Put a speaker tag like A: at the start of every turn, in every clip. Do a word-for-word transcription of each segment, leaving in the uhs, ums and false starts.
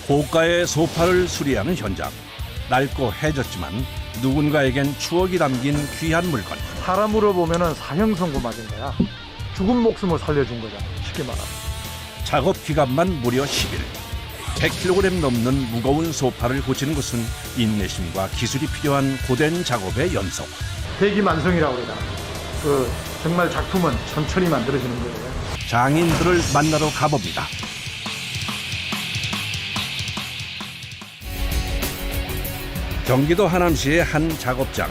A: 고가의 소파를 수리하는 현장. 낡고 해졌지만 누군가에겐 추억이 담긴 귀한 물건.
B: 사람으로 보면은 사형선고 맞은 거야. 죽은 목숨을 살려준 거잖아, 쉽게 말하면.
A: 작업 기간만 무려 십 일. 백 킬로그램 넘는 무거운 소파를 고치는 것은 인내심과 기술이 필요한 고된 작업의 연속.
B: 대기만성이라고 그러잖아. 그 정말 작품은 천천히 만들어지는 거예요.
A: 장인들을 만나러 가봅니다. 경기도 하남시의 한 작업장.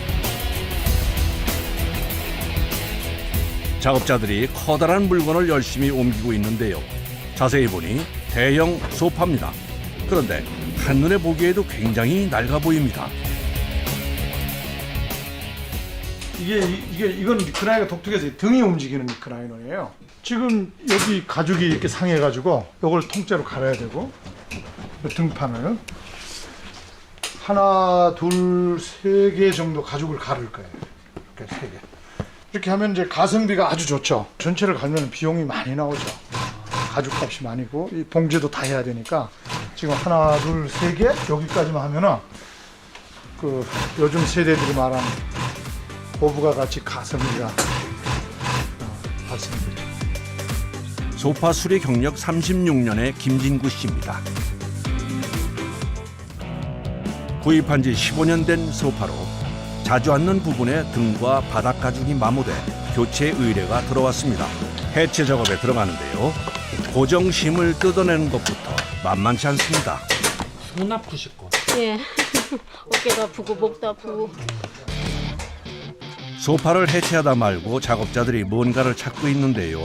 A: 작업자들이 커다란 물건을 열심히 옮기고 있는데요. 자세히 보니 대형 소파입니다. 그런데 한눈에 보기에도 굉장히 낡아 보입니다.
B: 이게 이게 이건 리크라이너가 독특해서 등이 움직이는 리크라이너예요. 지금 여기 가죽이 이렇게 상해가지고 이걸 통째로 갈아야 되고 이 등판을 하나, 둘, 세 개 정도 가죽을 가를 거예요. 이렇게 세 개. 이렇게 하면 이제 가성비가 아주 좋죠. 전체를 갈면 비용이 많이 나오죠. 가죽값이 많이고 이 봉제도 다 해야 되니까 지금 하나, 둘, 세 개 여기까지만 하면은 그 요즘 세대들이 말하는 고부가 같이 가성비가 어, 발생되죠.
A: 소파 수리 경력 삼십육 년의 김진구 씨입니다. 구입한 지 십오 년 된 소파로 자주 앉는 부분에 등과 바닥 가죽이 마모돼 교체 의뢰가 들어왔습니다. 해체 작업에 들어가는데요. 고정심을 뜯어내는 것부터 만만치 않습니다.
C: 손 아프실 거.
D: 예. 어깨도 아프고 목도 아프고.
A: 소파를 해체하다 말고 작업자들이 뭔가를 찾고 있는데요.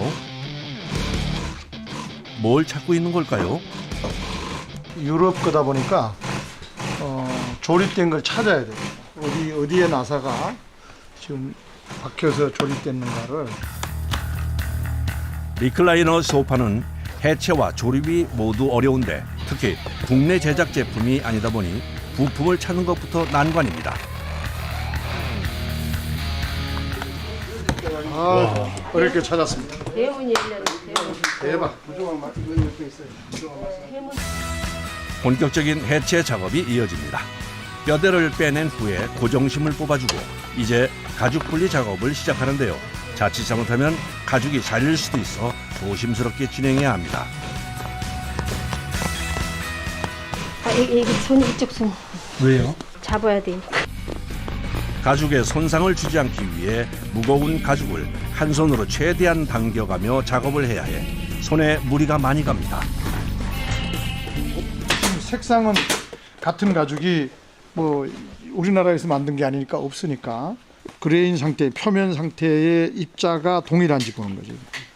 A: 뭘 찾고 있는 걸까요?
B: 유럽 거다 보니까 어, 조립된 걸 찾아야 돼요. 어디 어디에 나사가 지금 박혀서 조립됐는가를.
A: 리클라이너 소파는 해체와 조립이 모두 어려운데 특히 국내 제작 제품이 아니다 보니 부품을 찾는 것부터 난관입니다.
B: 아, 어렵게 찾았습니다.
D: 대문이 열렸어요.
B: 대박.
A: 본격적인 해체 작업이 이어집니다. 뼈대를 빼낸 후에 고정심을 뽑아주고 이제 가죽 분리 작업을 시작하는데요. 자칫 잘못하면 가죽이 잘릴 수도 있어 조심스럽게 진행해야 합니다.
D: 아, 이게, 이게 손 이쪽 손
C: 왜요?
D: 잡아야 돼.
A: 가죽에 손상을 주지 않기 위해 무거운 가죽을 한 손으로 최대한 당겨가며 작업을 해야 해 손에 무리가 많이 갑니다.
B: 지금 색상은 같은 가죽이 뭐 우리나라에서 만든 게 아니니까 없으니까 그레인 상태, 표면 상태의 입자가 동일한지 보는 거죠.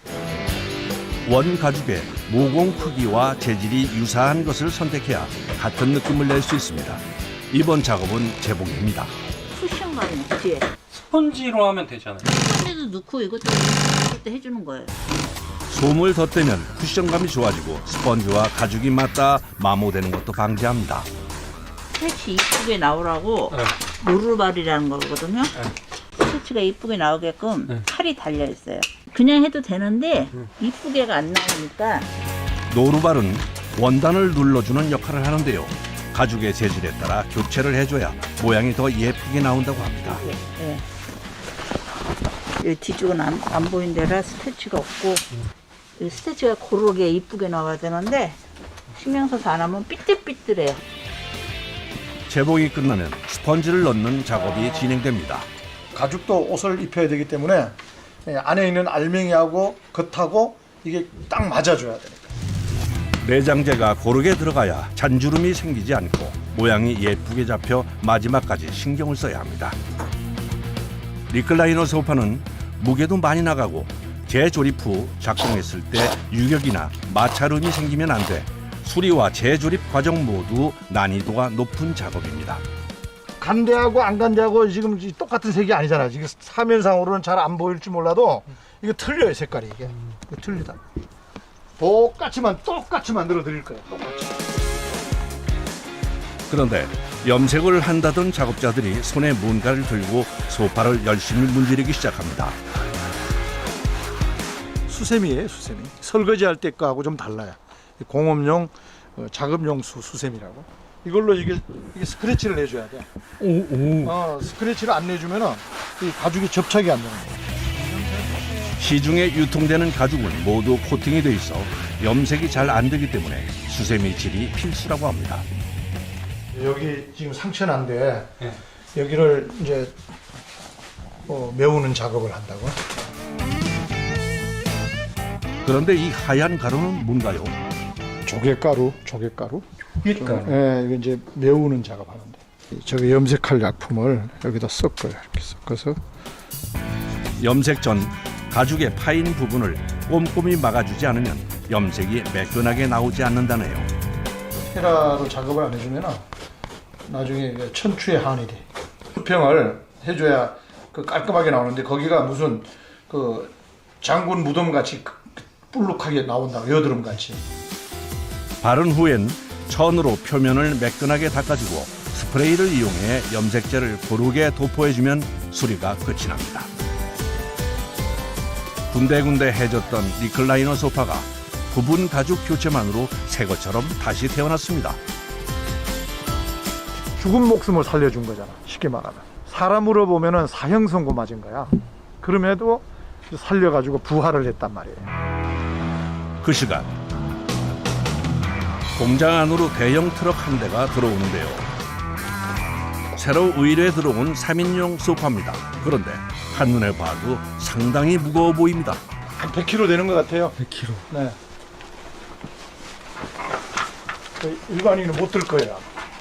A: 원 가죽의 모공 크기와 재질이 유사한 것을 선택해야 같은 느낌을 낼 수 있습니다. 이번 작업은 재봉입니다.
E: 쿠션감이 뒤에
C: 스펀지로 하면 되잖아요.
E: 스펀지도 넣고 이것도 이것도 해주는 거예요.
A: 솜을 덧대면 쿠션감이 좋아지고 스펀지와 가죽이 맞닿아 마모되는 것도 방지합니다.
E: 스테치 이쁘게 나오라고
C: 네.
E: 노루발이라는 거거든요. 스테치가 이쁘게 나오게끔
C: 네.
E: 칼이 달려 있어요. 그냥 해도 되는데 이쁘게가 안 나오니까
A: 노루발은 원단을 눌러주는 역할을 하는데요. 가죽의 재질에 따라 교체를 해줘야 모양이 더 예쁘게 나온다고 합니다.
E: 예. 이 뒤쪽은 안, 안 보이는 데라 스테치가 없고 이 스테치가 고르게 이쁘게 나와야 되는데 신경 써서 안 하면 삐뚤삐뚤해요.
A: 재봉이 끝나면 스펀지를 넣는 작업이 진행됩니다.
B: 가죽도 옷을 입혀야 되기 때문에 안에 있는 알맹이하고 겉하고 이게 딱 맞아줘야 돼요.
A: 내장재가 고르게 들어가야 잔주름이 생기지 않고 모양이 예쁘게 잡혀 마지막까지 신경을 써야 합니다. 리클라이너 소파는 무게도 많이 나가고 재조립 후 작동했을 때 유격이나 마찰음이 생기면 안 돼 수리와 재조립 과정 모두 난이도가 높은 작업입니다.
B: 간대하고 안 간대하고 지금 똑같은 색이 아니잖아. 지금 사면상으로는 잘 안 보일지 몰라도 이거 틀려요, 색깔이 이게. 이거 틀리다. 똑같이만 똑같이 만들어 드릴 거예요. 똑같이.
A: 그런데 염색을 한다던 작업자들이 손에 뭔가를 들고 소파를 열심히 문지르기 시작합니다.
B: 수세미예요, 수세미. 설거지할 때 거하고 좀 달라요. 공업용 어, 작업용수 수세미라고. 이걸로 이게, 이게 스크래치를 내줘야 돼.
C: 오, 오.
B: 어, 스크래치를 안 내주면은 이 가죽이 접착이 안 되는 거야.
A: 시중에 유통되는 가죽은 모두 코팅이 돼 있어 염색이 잘 안 되기 때문에 수세미 질이 필수라고 합니다.
B: 여기 지금 상처난데
C: 네.
B: 여기를 이제 어, 메우는 작업을 한다고.
A: 그런데 이 하얀 가루는 뭔가요?
B: 조개가루, 조개가루.
C: 밀가루.
B: 예, 이거 이제 메우는 작업하는데. 저기 염색할 약품을 여기다 섞어요. 이렇게 섞어서.
A: 염색 전 가죽의 파인 부분을 꼼꼼히 막아주지 않으면 염색이 매끈하게 나오지 않는다네요.
B: 헤라로 작업을 안 해주면 나중에 이게 천추의 한이 돼. 수평을 해줘야 그 깔끔하게 나오는데 거기가 무슨 그 장군 무덤 같이 불룩하게 나온다. 여드름 같이.
A: 바른 후엔 천으로 표면을 매끈하게 닦아주고 스프레이를 이용해 염색제를 고르게 도포해주면 수리가 끝이 납니다. 군데군데 해졌던 리클라이너 소파가 부분 가죽 교체만으로 새 것처럼 다시 태어났습니다.
B: 죽은 목숨을 살려준 거잖아. 쉽게 말하면. 사람으로 보면은 사형선고 맞은 거야. 그럼에도 살려가지고 부활을 했단 말이에요.
A: 그 시간 공장 안으로 대형 트럭 한 대가 들어오는데요. 새로 의뢰 들어온 삼 인용 소파입니다. 그런데 한눈에 봐도 상당히 무거워 보입니다.
B: 한 백 킬로그램 되는 것 같아요.
C: 백 킬로그램.
B: 네. 일반인은 못 들 거예요.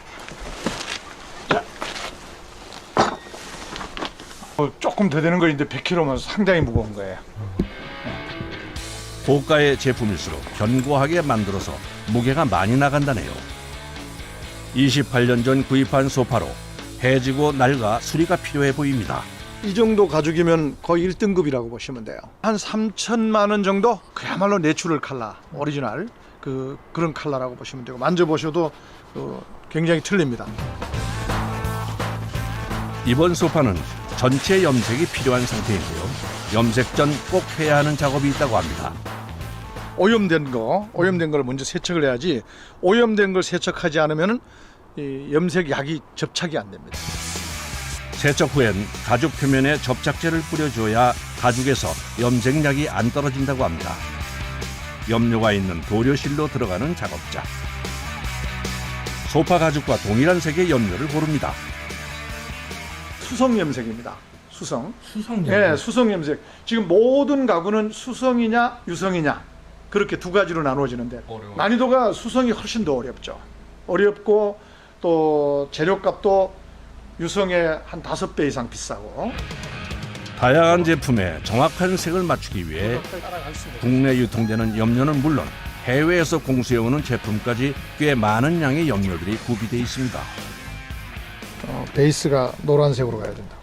B: 자. 어, 조금 더 되는 거인데 백 킬로그램면 상당히 무거운 거예요.
A: 고가의 제품일수록 견고하게 만들어서 무게가 많이 나간다네요. 이십팔 년 전 구입한 소파로 해지고 낡아 수리가 필요해 보입니다.
B: 이 정도 가죽이면 거의 일 등급이라고 보시면 돼요. 한 삼천만 원 정도? 그야말로 내추럴 컬러, 오리지널 그 그런 컬러라고 보시면 되고 만져보셔도 어, 굉장히 틀립니다.
A: 이번 소파는 전체 염색이 필요한 상태인데요. 염색 전 꼭 해야 하는 작업이 있다고 합니다.
B: 오염된 거, 오염된 걸 먼저 세척을 해야지 오염된 걸 세척하지 않으면 이 염색 약이 접착이 안 됩니다.
A: 세척 후엔 가죽 표면에 접착제를 뿌려줘야 가죽에서 염색약이 안 떨어진다고 합니다. 염료가 있는 도료실로 들어가는 작업자. 소파 가죽과 동일한 색의 염료를 고릅니다.
B: 수성 염색입니다. 수성.
C: 수성
B: 예,
C: 염.
B: 수성 염색. 지금 모든 가구는 수성이냐 유성이냐 그렇게 두 가지로 나누어지는데
C: 어려워요.
B: 난이도가 수성이 훨씬 더 어렵죠. 어렵고 또 재료값도 유성의 한 다섯 배 이상 비싸고.
A: 다양한 제품에 정확한 색을 맞추기 위해 국내 유통되는 염료는 물론 해외에서 공수해오는 제품까지 꽤 많은 양의 염료들이 구비되어 있습니다.
B: 어, 베이스가 노란색으로 가야 된다.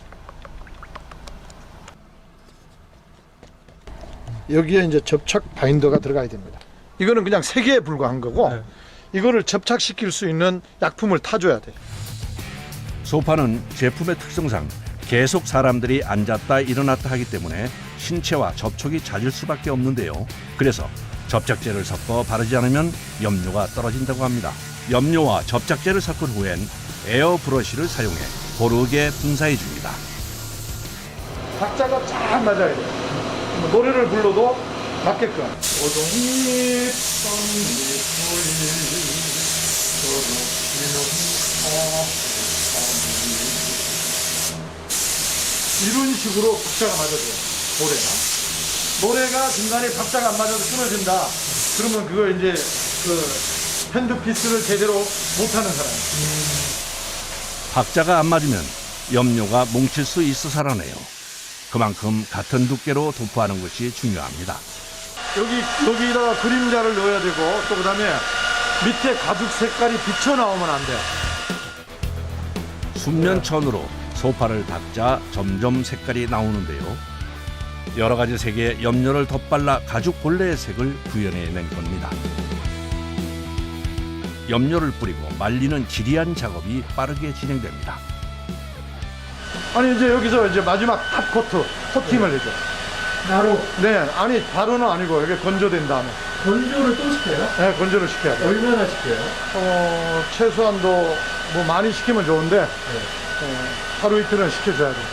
B: 여기에 이제 접착 바인더가 들어가야 됩니다. 이거는 그냥 색에 불과한 거고
C: 네.
B: 이거를 접착시킬 수 있는 약품을 타줘야 돼.
A: 소파는 제품의 특성상 계속 사람들이 앉았다 일어났다 하기 때문에 신체와 접촉이 잦을 수밖에 없는데요. 그래서 접착제를 섞어 바르지 않으면 염료가 떨어진다고 합니다. 염료와 접착제를 섞은 후엔 에어 브러쉬를 사용해 고르게 분사해 줍니다.
B: 박자가 잘 맞아야 돼. 뭐 노래를 불러도 맞게끔. 오동잎 썬잎 이런 식으로 박자가 맞아줘요. 노래가. 노래가 중간에 박자가 안 맞아서 끊어진다. 그러면 그거 이제 그 핸드피스를 제대로 못하는 사람이에요.
A: 박자가 안 맞으면 염료가 뭉칠 수 있어서라네요. 그만큼 같은 두께로 도포하는 것이 중요합니다.
B: 여기 여기다가 그림자를 넣어야 되고 또 그다음에 밑에 가죽 색깔이 비쳐 나오면 안 돼.
A: 순면천으로 소파를 닦자 점점 색깔이 나오는데요. 여러 가지 색의 염료를 덧발라 가죽 본래의 색을 구현해낸 겁니다. 염료를 뿌리고 말리는 지리한 작업이 빠르게 진행됩니다.
B: 아니 이제 여기서 이제 마지막 탑 코트 코팅을 해줘. 바로? 네, 아니 바로는 아니고 이게 건조된 다음에
C: 건조를 또 시켜요?
B: 네, 건조를 시켜야 돼요.
C: 얼마나 시켜요?
B: 어, 최소한도 뭐 많이 시키면 좋은데 어, 하루 이틀은 시켜줘야 돼요.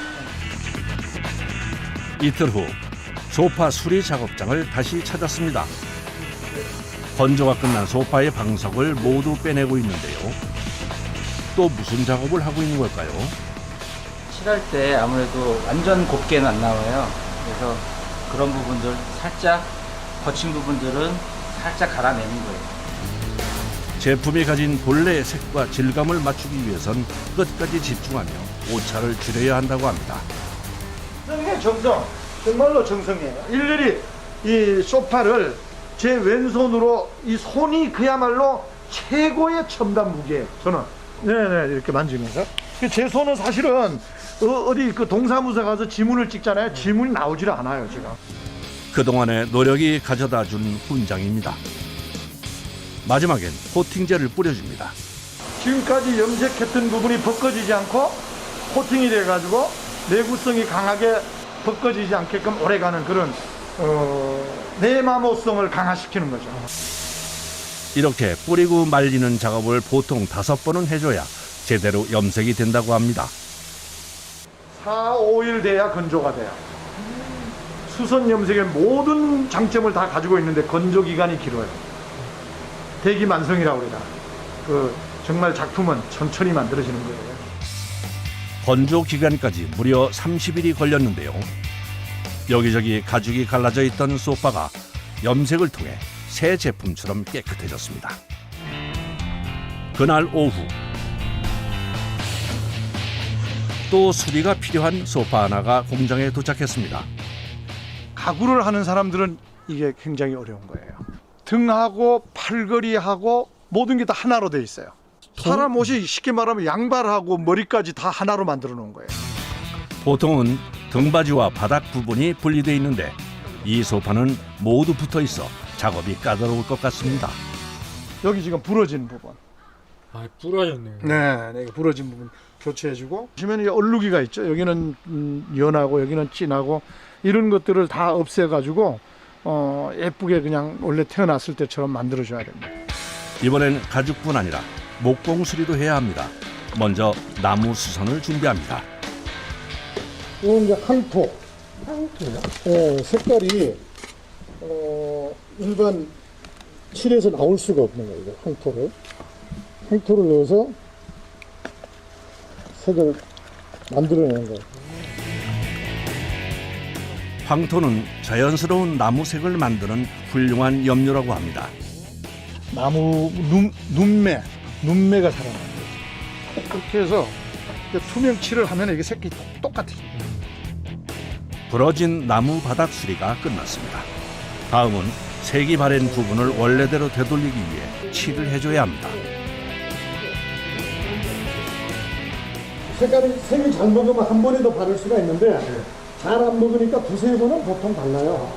A: 이틀 후 소파 수리 작업장을 다시 찾았습니다. 건조가 끝난 소파의 방석을 모두 빼내고 있는데요. 또 무슨 작업을 하고 있는 걸까요?
F: 칠할 때 아무래도 완전 곱게는 안 나와요. 그래서 그런 부분들 살짝 거친 부분들은 살짝 갈아내는 거예요.
A: 제품이 가진 본래의 색과 질감을 맞추기 위해선 끝까지 집중하며 오차를 줄여야 한다고 합니다.
B: 정성이에요, 정성. 정말로 정성이에요. 일일이 이 소파를 제 왼손으로 이 손이 그야말로 최고의 첨단 무기예요. 저는 네네 이렇게 만지면서 제 손은 사실은 어, 어디 그 동사무소 가서 지문을 찍잖아요. 지문이 나오질 않아요 지금.
A: 그동안의 노력이 가져다 준 훈장입니다. 마지막엔 코팅제를 뿌려줍니다.
B: 지금까지 염색했던 부분이 벗겨지지 않고 코팅이 돼가지고 내구성이 강하게 벗겨지지 않게끔 오래가는 그런 어, 내마모성을 강화시키는 거죠.
A: 이렇게 뿌리고 말리는 작업을 보통 다섯 번은 해줘야 제대로 염색이 된다고 합니다.
B: 사, 오 일 돼야 건조가 돼요. 수선 염색의 모든 장점을 다 가지고 있는데 건조 기간이 길어요. 대기만성이라고 그래요. 그 정말 작품은 천천히 만들어지는 거예요.
A: 건조 기간까지 무려 삼십 일이 걸렸는데요. 여기저기 가죽이 갈라져 있던 소파가 염색을 통해 새 제품처럼 깨끗해졌습니다. 그날 오후 또 수리가 필요한 소파 하나가 공장에 도착했습니다.
B: 가구를 하는 사람들은 이게 굉장히 어려운 거예요. 등하고 팔걸이하고 모든 게 다 하나로 돼 있어요. 사람 옷이 쉽게 말하면 양발하고 머리까지 다 하나로 만들어 놓은 거예요.
A: 보통은 등받이와 바닥 부분이 분리되어 있는데 이 소파는 모두 붙어 있어 작업이 까다로울 것 같습니다.
B: 여기 지금 부러진 부분.
C: 아, 부러졌네요.
B: 네, 네, 부러진 부분 교체해주고. 보시면 이 얼룩이가 있죠. 여기는 음, 연하고 여기는 진하고 이런 것들을 다 없애가지고 어, 예쁘게 그냥 원래 태어났을 때처럼 만들어줘야 됩니다.
A: 이번엔 가죽뿐 아니라 목공 수리도 해야 합니다. 먼저 나무 수선을 준비합니다.
B: 이건 이제 항토. 항토요? 네, 색깔이 어, 일반 칠에서 나올 수가 없는 거예요. 이거 항토를. 항토를 넣어서 색을 만들어내는 거예요.
A: 황토는 자연스러운 나무색을 만드는 훌륭한 염료라고 합니다.
B: 나무 눈, 눈매, 눈매가 살아나는 거죠. 그렇게 해서 투명 칠을 하면 이게 색이 똑같아요.
A: 부러진 나무 바닥 수리가 끝났습니다. 다음은 색이 바랜 부분을 원래대로 되돌리기 위해 칠을 해줘야 합니다.
B: 색깔이 색이 잘 먹으면 한 번에도 바를 수가 있는데 잘 안 먹으니까 두세 번은 보통 발라요.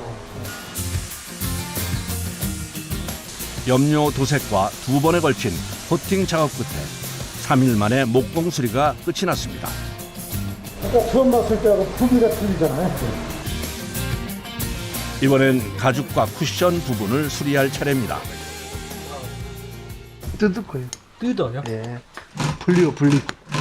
A: 염료 도색과 두 번에 걸친 코팅 작업 끝에 삼 일 만에 목공 수리가 끝이 났습니다.
B: 아까 처음 봤을 때하고 크기가 틀리잖아요.
A: 이번엔 가죽과 쿠션 부분을 수리할 차례입니다.
B: 뜯을 거예요.
C: 뜯어요?
B: 예. 분리고 분리.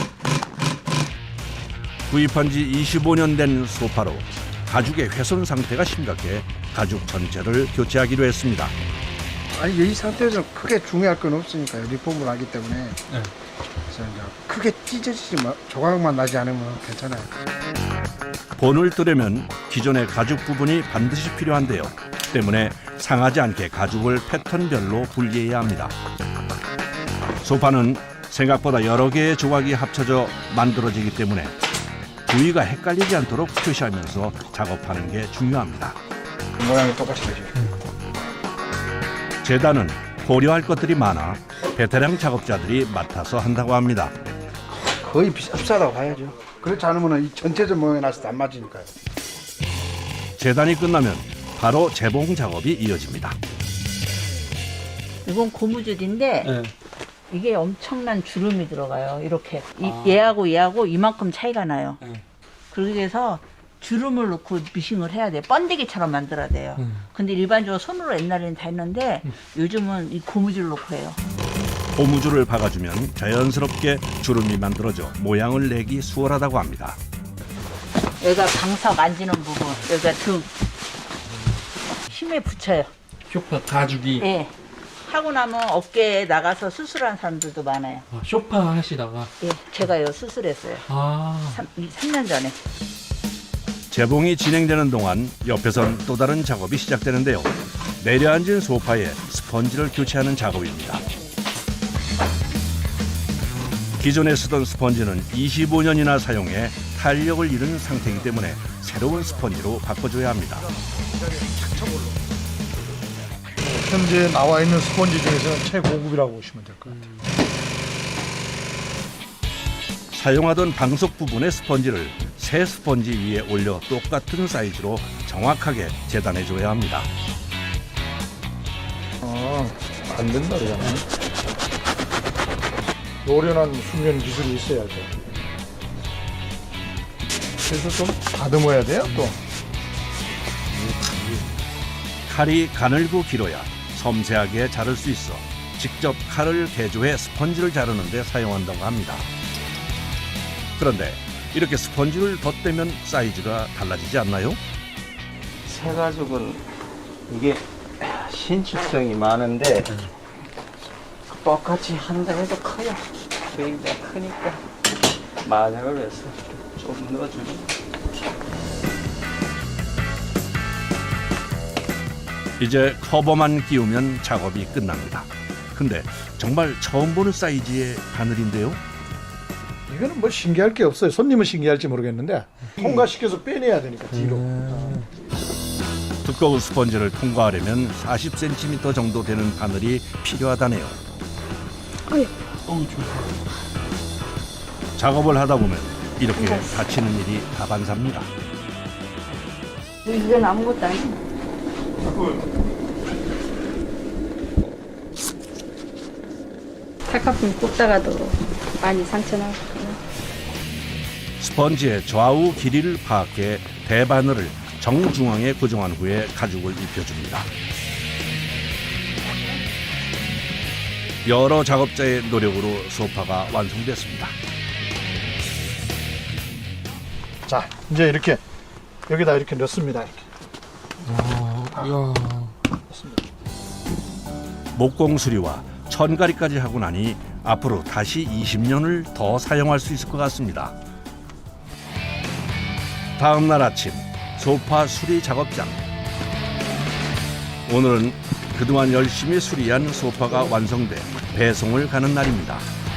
A: 구입한 지 이십오 년 된 소파로 가죽의 훼손 상태가 심각해 가죽 전체를 교체하기로 했습니다.
G: 아니 이 상태에서 크게 중요할 건 없으니까요. 리폼을 하기 때문에.
C: 네.
G: 그래서 이제 크게 찢어지지 마, 조각만 나지 않으면 괜찮아요.
A: 본을 뜨려면 기존의 가죽 부분이 반드시 필요한데요. 때문에 상하지 않게 가죽을 패턴별로 분리해야 합니다. 소파는 생각보다 여러 개의 조각이 합쳐져 만들어지기 때문에 부위가 헷갈리지 않도록 표시하면서 작업하는 게 중요합니다.
G: 모양이 똑같이 되죠.
A: 재단은 고려할 것들이 많아 베테랑 작업자들이 맡아서 한다고 합니다.
G: 거의 비슷하다고 봐야죠. 그렇지 않으면 이 전체적 모양이 나서 안 맞으니까요.
A: 재단이 끝나면 바로 재봉 작업이 이어집니다.
E: 이건 고무줄인데
C: 네.
E: 이게 엄청난 주름이 들어가요. 이렇게 이-
C: 아.
E: 얘하고 얘하고 이만큼 차이가 나요.
C: 네.
E: 그래서 주름을 넣고 미싱을 해야 돼. 번데기처럼 만들어야 돼요.
C: 음.
E: 근데 일반적으로 손으로 옛날에는 다 했는데 요즘은 이 고무줄 넣고 해요.
A: 고무줄을 박아주면 자연스럽게 주름이 만들어져 모양을 내기 수월하다고 합니다.
E: 여기가 방사 만지는 부분, 여기가 등. 힘에 붙여요.
C: 쇼파 가죽이
E: 예. 하고 나면 어깨에 나가서 수술한 사람들도 많아요.
C: 아, 쇼파 하시다가
E: 예, 제가요 수술했어요.
C: 아
E: 삼 년 전에.
A: 재봉이 진행되는 동안 옆에선 또 다른 작업이 시작되는데요. 내려앉은 소파에 스펀지를 교체하는 작업입니다. 기존에 쓰던 스펀지는 이십오 년이나 사용해 탄력을 잃은 상태이기 때문에 새로운 스펀지로 바꿔줘야 합니다.
B: 현재 나와 있는 스펀지 중에서는 최고급이라고 보시면 될 것 같아요.
A: 사용하던 방석 부분의 스펀지를 새 스펀지 위에 올려 똑같은 사이즈로 정확하게 재단해줘야 합니다.
B: 아, 안 된다 그러잖아요. 노련한 숙련 기술이 있어야죠. 그래서 좀 다듬어야 돼요, 또.
A: 칼이 가늘고 길어야 섬세하게 자를 수 있어 직접 칼을 개조해 스펀지를 자르는 데 사용한다고 합니다. 그런데 이렇게 스펀지를 덧대면 사이즈가 달라지지 않나요?
F: 새 가죽은 이게 신축성이 많은데 똑같이 한다 해도 커요. 굉장히 크니까 마작을 해서 좀 넣어주고.
A: 이제 커버만 끼우면 작업이 끝납니다. 근데 정말 처음 보는 사이즈의 바늘인데요.
B: 이거는 뭐 신기할 게 없어요. 손님은 신기할지 모르겠는데 통과시켜서 빼내야 되니까 뒤로.
A: 두꺼운 스펀지를 통과하려면 사십 센티미터 정도 되는 바늘이 필요하다네요.
D: 어휴.
A: 작업을 하다 보면 이렇게 다치는 일이 다반사입니다.
E: 이건 아무것도 아니에요.
D: 칼카품 꽂다가도 많이 상처나거든요.
A: 스펀지의 좌우 길이를 파악해 대바늘을 정중앙에 고정한 후에 가죽을 입혀줍니다. 여러 작업자의 노력으로 소파가 완성됐습니다.
B: 자, 이제 이렇게 여기다 이렇게 넣습니다. 이렇게.
C: 아, 이야.
A: 목공 수리와 천가리까지 하고 나니 앞으로 다시 이십 년을 더 사용할 수 있을 것 같습니다. 다음 날 아침 소파 수리 작업장. 오늘은 그동안 열심히 수리한 소파가 완성돼 배송을 가는 날입니다.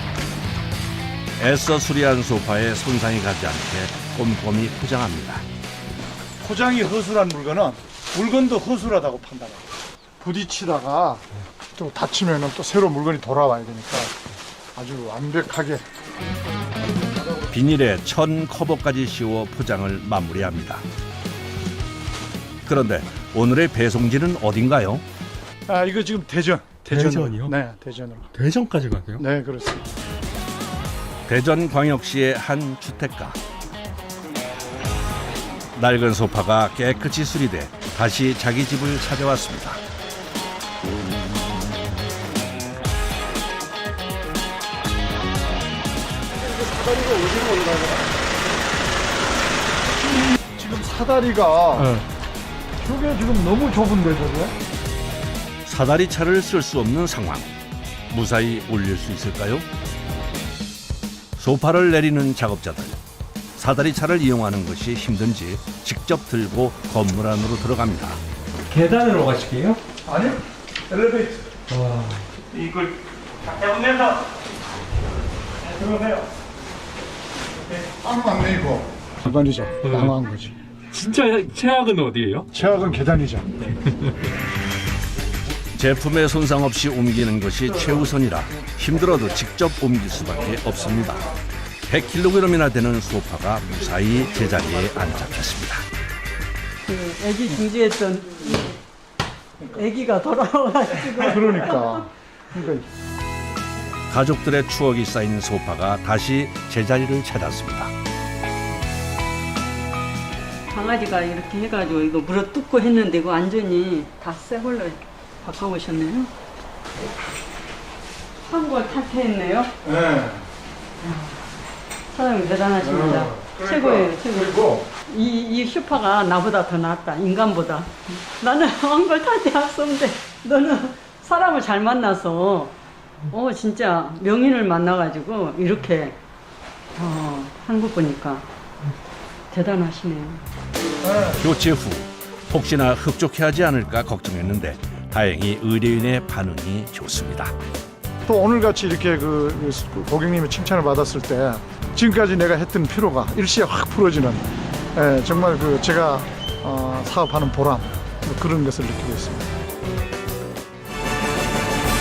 A: 애써 수리한 소파에 손상이 가지 않게 꼼꼼히 포장합니다.
B: 포장이 허술한 물건은 물건도 허술하다고 판단해요. 부딪히다가 또 다치면은 또 새로 물건이 돌아와야 되니까 아주 완벽하게.
A: 비닐에 천 커버까지 씌워 포장을 마무리합니다. 그런데 오늘의 배송지는 어딘가요?
B: 아, 이거 지금 대전. 대전으로.
C: 대전이요?
B: 네, 대전으로.
C: 대전까지 가세요?
B: 네, 그렇습니다.
A: 대전광역시의 한 주택가. 낡은 소파가 깨끗이 수리돼 다시 자기 집을 찾아왔습니다.
B: 지금 사다리가
C: 네.
B: 저게 지금 너무 좁은데 저게?
A: 사다리 차를 쓸 수 없는 상황. 무사히 올릴 수 있을까요? 소파를 내리는 작업자들. 사다리 차를 이용하는 것이 힘든지 직접 들고 건물 안으로 들어갑니다.
C: 계단으로 가실게요?
B: 아니요, 엘리베이터.
C: 와.
B: 이걸 해보면서 들어오세요. 깜빡 내고. 계단이죠. 양호한 거지.
C: 진짜 최악은 어디예요?
B: 최악은 계단이죠.
A: 제품에 손상 없이 옮기는 것이 최우선이라 힘들어도 직접 옮길 수밖에 없습니다. 백 킬로그램이나 되는 소파가 무사히 제자리에 안착했습니다.
E: 그 애기 중지했던 애기가 돌아와가지고.
B: 그러니까. 그러니까
A: 가족들의 추억이 쌓인 소파가 다시 제자리를 찾았습니다.
H: 강아지가 이렇게 해가지고 이거 물어 뜯고 했는데 이거 완전히 다 새 걸로 바꿔오셨네요. 한골 탈퇴했네요.
B: 네.
H: 사장님 대단하십니다.
B: 어, 그러니까,
H: 최고예요, 최고.
B: 그리고
H: 이, 이 슈퍼가 나보다 더 낫다, 인간보다. 나는 한골 탈퇴했었는데 너는 사람을 잘 만나서 어 진짜 명인을 만나가지고 이렇게 어, 한 거 보니까 대단하시네요.
A: 교체 후 혹시나 흡족해하지 않을까 걱정했는데 다행히 의뢰인의 반응이 좋습니다.
B: 또 오늘같이 이렇게 그 고객님의 칭찬을 받았을 때 지금까지 내가 했던 피로가 일시에 확 풀어지는 예, 정말 그 제가 어, 사업하는 보람 그런 것을 느끼고 있습니다.